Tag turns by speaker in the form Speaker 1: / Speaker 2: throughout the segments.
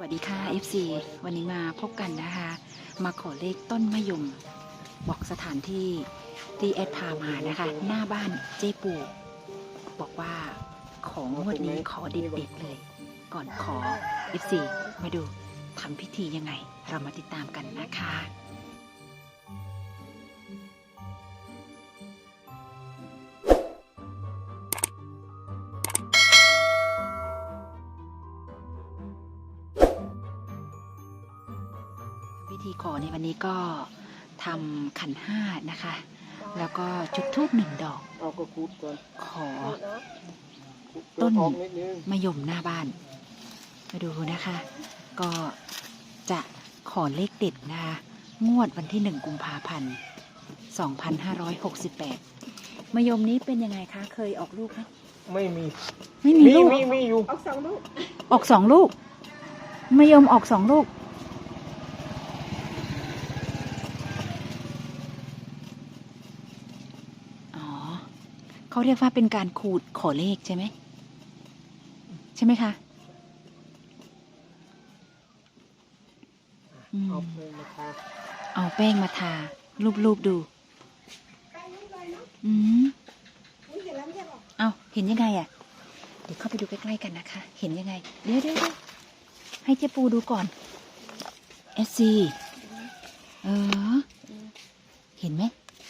Speaker 1: วัสดีค่ะ FC วันนี้มาพบกันนะคะ มาขอเลขต้นมะยมบอกสถานที่ที่แอดพามานะคะ หน้าบ้านเจ๊ปูบอกว่าของงวดนี้ขอเด็ดๆเลย ก่อนขอ FC มาดูทำพิธียังไง เรามาติดตามกันนะคะพิธีขอในวันนี้ก็ทำขันห้านะคะ แล้วก็จุดธูป1 ดอก
Speaker 2: เอาก็คูดก่อน
Speaker 1: ขอต้น
Speaker 2: ออกนิดนึง
Speaker 1: มะยมหน้าบ้าน มาดูนะคะ ก็จะขอเลขเด็ดนะคะ งวดวันที่1 กุมภาพันธ์ 2568 มะยมนี้เป็นยังไงคะ เคยออกลูกไหม
Speaker 2: ไม่มี
Speaker 1: ไม่มีลูก
Speaker 2: มีอยู่
Speaker 3: ออก2 ลูก
Speaker 1: ออก2 ลูก มะยมออก2 ลูก อ๋อ เขาเรียกว่าเป็นการขูดขอเลขใช่ไหม ใช่ไหมคะอืม
Speaker 2: เอาเพลงมาทา
Speaker 1: เอาแป้งมาทา รูปดู อืม
Speaker 3: นี่เห็นแล้วไม่ใช่หรอ
Speaker 1: เอาเห็นยังไงอ่ะ เดี๋ยวเข้าไปดูใกล้ๆกันนะคะ เห็นยังไง เดี๋ยวให้เจ๊ปูดูก่อนSC เห็นไหม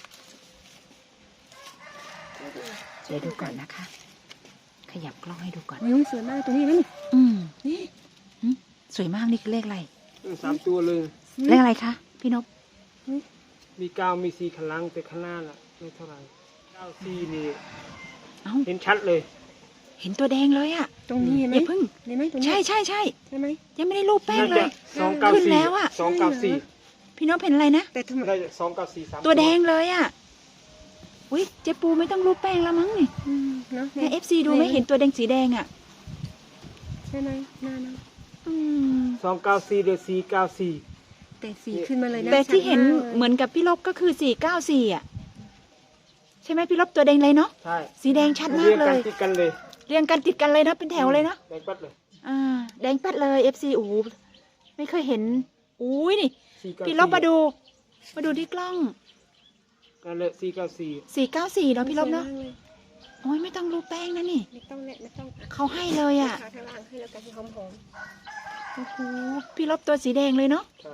Speaker 1: เดี๋ยวดูก่อนนะคะ ขยับกล้องให้ดูก่อน
Speaker 3: มะยมสวยมากตัวนี้นะนี่
Speaker 1: อืมสวยมากนี่คือเลขอะไร
Speaker 2: 3 ตัวเลย
Speaker 1: เลขอะไรคะ พี่นพ
Speaker 2: มี9มี4ข้างหล่างแต่ข้างหน้าล่ะไม่เท่าไหร่9 4นี่
Speaker 1: เอ้า
Speaker 2: เห็นชัดเลย
Speaker 1: เห็นตัวแดงเลยอ่ะ
Speaker 3: ตรงนี้เห็นไหม
Speaker 1: อย่าเพิ่ง
Speaker 3: เห็นไหมตรงนี้
Speaker 1: ใช่
Speaker 3: ใช่ไหม
Speaker 1: ยังไม่ได้รูปแป้ง
Speaker 2: น่า
Speaker 1: เล
Speaker 2: จะ
Speaker 1: ย
Speaker 2: 294
Speaker 1: ขึ้นแล้วอะ
Speaker 2: 294
Speaker 1: พี่นพเห็นอะไรนะ
Speaker 3: แต่ทำไม
Speaker 2: ได้294 3
Speaker 1: ตัวแดงเลยอ่ะอุ้ยเจ๊ปูไม่ต้องรูปแป้งแล้วมั้งนี่
Speaker 3: เนาะ
Speaker 1: ให้ FC ดูไม่เห็นตัวแดงสีแดงอ่ะ
Speaker 3: ใช่ไหมหน้านะ
Speaker 1: อืม
Speaker 2: 294หรือ494
Speaker 3: แต่สีขึ้นมาเลยนะ
Speaker 1: แต่ที่เห็น
Speaker 3: ชัดากลย
Speaker 1: เหมือนกับพี่ลบก็คือ494อ่ะ ใช่ไหมพี่ลบตัวแดงเลยเนาะ
Speaker 2: ใช่
Speaker 1: สีแดงชัดมากเลย
Speaker 2: รีงนติดกันเลย
Speaker 1: เรียงกันติดกันเลยนะเป็นแถวเลยเนาะ
Speaker 2: แดงปัดเลย
Speaker 1: แดงแป๊ดเลย FC โอ้โหไม่เคยเห็นอุ้ยนี่
Speaker 2: 494
Speaker 1: พี่ลบมาดูที่กล้อง
Speaker 2: นั่นแหละ494
Speaker 1: 494เนาะพี่ลบเนาะ
Speaker 3: สวยมกลย
Speaker 1: โอ้ยไม่ต้องรูปแป้งนะนี่
Speaker 3: ไม่ต้องไม่ต้อง
Speaker 1: เขาให้เลยอ่ะ
Speaker 3: ขาทางล่างให้แล้วกันที่หอม
Speaker 1: โอ้โหพี่ลบตัวสีแดงเลยเนาะ
Speaker 2: ใช่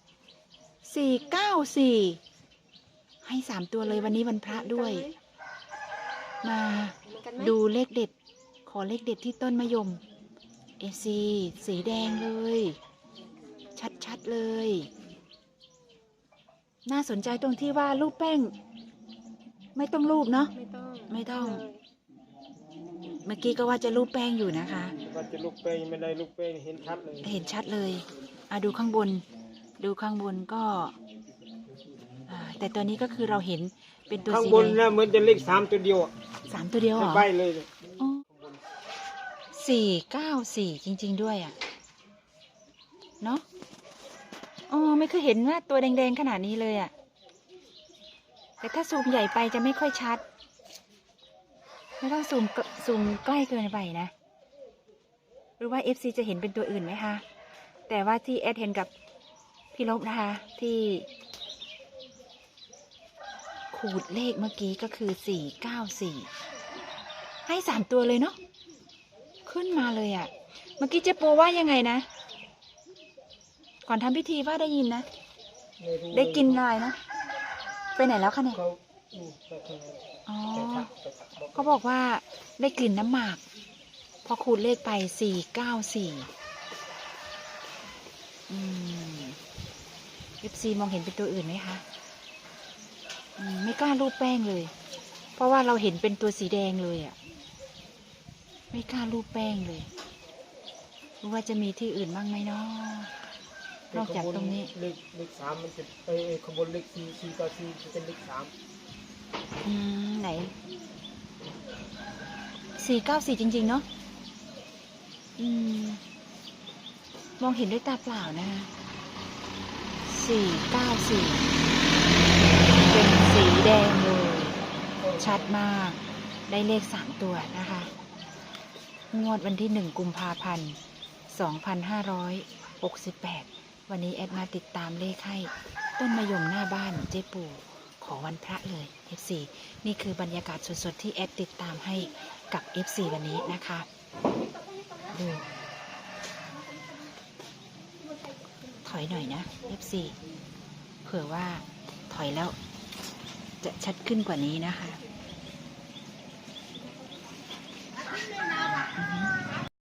Speaker 1: 494ให้3 ตัวเลยวันนี้วันพระด้วย มา
Speaker 3: เหมือนกันไหม
Speaker 1: ดูเลขเด็ด ขอเลขเด็ดที่ต้นมะยมFC สีแดงเลย ชัดๆเลย น่าสนใจตรงที่ว่ารูปแป้ง ไม่ต้องรูปเนาะ ไม่ต้อง
Speaker 3: เลย
Speaker 1: เมื่อกี้ก็ว่าจะรูปแป้งอยู่นะคะ
Speaker 2: ว่าจะลูกแป้งไม่ได้ลูกแป้งเห็นชัดเลย
Speaker 1: เห็นชัดเลยดูข้างบน ก็แต่ตัวนี้ก็คือเราเห็นเป็นตัว
Speaker 2: ข้าง
Speaker 1: สี
Speaker 2: บ
Speaker 1: แด
Speaker 2: น
Speaker 1: ง
Speaker 2: นะเหมือนจะเลข3 ตัวเดียวอ่ะ
Speaker 1: 3 ตัวเดียวเหรอ
Speaker 2: ใบเลย
Speaker 1: อ๋อ494 จริง ๆ ด้วยอ่ะ เนาะอ๋อไม่เคยเห็นว่าตัวแดง ๆ ขนาดนี้เลยอ่ะ แต่ถ้าซูมใหญ่ไปจะไม่ค่อยชัด ไม่ต้องซูมใกล้เกินไปนะ หรือว่า FC จะเห็นเป็นตัวอื่นไหมคะ แต่ว่าที่แอดเห็นกับพี่ลบนะคะ ที่ขูดเลขเมื่อกี้ก็คือ494ให้3 ตัวเลยเนาะขึ้นมาเลยอะ่ะ เมื่อกี้เจ๊ปูว่ายังไงนะ ก่อนทำพิธีว่าได้ยินนะ
Speaker 2: ม่รู้
Speaker 1: ได้กินอะไรนะ ไปไหนแล้วคะเนี่ย
Speaker 2: เขาไปทางไหน
Speaker 1: อ๋อ
Speaker 2: ไปทักบอก
Speaker 1: เขาบอกว่าได้กลิ่นน้ำหมาก พอขูดเลขไป494FC มองเห็นเป็นตัวอื่นไหมคะไม่กล้ารูปแป้งเลย เพราะว่าเราเห็นเป็นตัวสีแดงเลยอ่ะ ไม่กล้ารูปแป้งเลยรู้ว่าจะมีที่อื่นบ้างไหมเนาะ นอกจากตรงนี้
Speaker 2: เลข3มันจะขบวนเลข494จะเป็นเลข3
Speaker 1: ไหน494จริงๆเนาะมองเห็นด้วยตาเปล่านะคะ494เป็นสีแดงเลย ชัดมาก ได้เลข3 ตัวนะคะ งวดวันที่1 กุมภาพันธ์ 2568 68วันนี้แอดมาติดตามเลขให้ต้นมะยมหน้าบ้านเจ๊ปู่ขอวันพระเลย FC นี่คือบรรยากาศสดๆที่แอดติดตามให้กับ FC วันนี้นะคะดูถอยหน่อยนะ FC เผื่อว่าถอยแล้วจะชัดขึ้นกว่านี้นะคะ